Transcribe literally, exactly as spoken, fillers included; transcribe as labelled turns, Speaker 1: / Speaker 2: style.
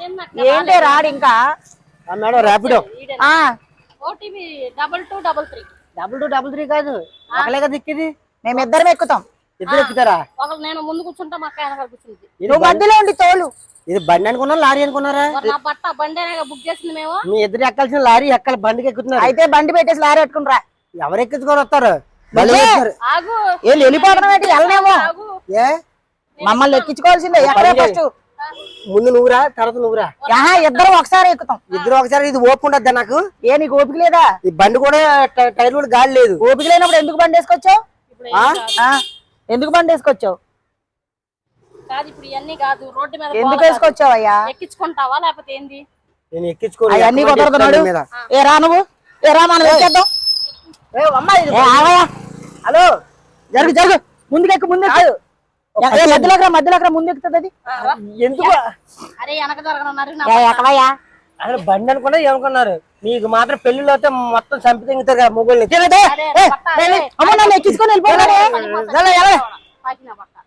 Speaker 1: ఏంటి రాడు ఇంకా
Speaker 2: madam Rapido
Speaker 3: OTP double two double three
Speaker 2: double two double three కాదు ఒకలే కదా ఎక్కిది
Speaker 1: మేమిద్దరం ఎక్కుతాం
Speaker 2: ఇద్దరు ఎక్కుతారా
Speaker 3: ఒకరు నేను ముందు కూర్చుంటా మా అక్క వెనకాల కూర్చుంది
Speaker 1: నువ్వు మధ్యలో ఉండి తోలు
Speaker 2: ఇది బండి అనుకున్నారా లారీ అనుకున్నారా
Speaker 3: నా బట్ట బండి బుక్ చేసింది మేము
Speaker 2: మీ ఇద్దరు ఎక్కాల్సిన లారీ ఎక్కాలి బండికి ఎక్కుతున్నారు
Speaker 1: అయితే బండి పెట్టేసి లారీ పెట్టుకుని రా
Speaker 2: ఎవరు ఎక్కించుకొని వస్తారు
Speaker 3: ఆగు
Speaker 1: వీళ్ళు వెళ్ళిపోవడం ఏంటి వెళ్ళనేమో
Speaker 2: ఏ
Speaker 1: మమ్మల్ని ఎక్కించుకోవాల్సిందే ఎక్కడే ఫస్ట్
Speaker 2: ముందు నువ్వురా తర్వాత నువ్వురా
Speaker 1: ఆహా ఇద్దరం ఒకసారి ఎక్కుతాం
Speaker 2: ఇద్దరు ఒకసారి ఇది ఓపిక ఉండద్దా నాకు
Speaker 1: ఏ నీకు ఓపిక లేదా
Speaker 2: ఈ బండి కూడా ట- టైర్ కూడా గాలి లేదు
Speaker 1: ఓపిక లేనప్పుడు ఎందుకు బండి వేసుకొచ్చావు ఎందుకు బండి వేసుకొచ్చావు
Speaker 3: కాదు ఇప్పుడు ఇవన్నీ కాదు రోడ్డు మీద
Speaker 1: ఎందుకు వేసుకొచ్చావు అయ్యా
Speaker 3: ఎక్కించుకుంటావా లేకపోతే ఏంది
Speaker 2: నేను ఎక్కించుకోను
Speaker 1: అవన్నీ కుదరదు
Speaker 2: మీద
Speaker 1: ఏ రా నువ్వు ఏ రా మనం ఎక్కేద్దాం
Speaker 2: ఏ అమ్మాయి
Speaker 1: ఏ ఆగయ్యా
Speaker 2: హలో
Speaker 1: జరుగు జరుగు ముందుకెక్కు ముందుకు మధ్యలోకి రా మధ్యలోకి రా ముందు ఎక్కుతుంది అది
Speaker 2: ఎందుకు
Speaker 3: అరే వెనక జరగనున్నారు
Speaker 1: ఏ, ఎక్కవయ్యా
Speaker 2: అసలు బండి అనుకున్నా ఏమనుకున్నారు మీకు మాత్రం పెళ్లిలో అయితే మొత్తం చంపి తింగుతారు కదా మొగ్గుల్ని
Speaker 1: అమ్మ నన్ను ఎక్కించుకొని వెళ్ళిపోయాడే
Speaker 3: పట్ట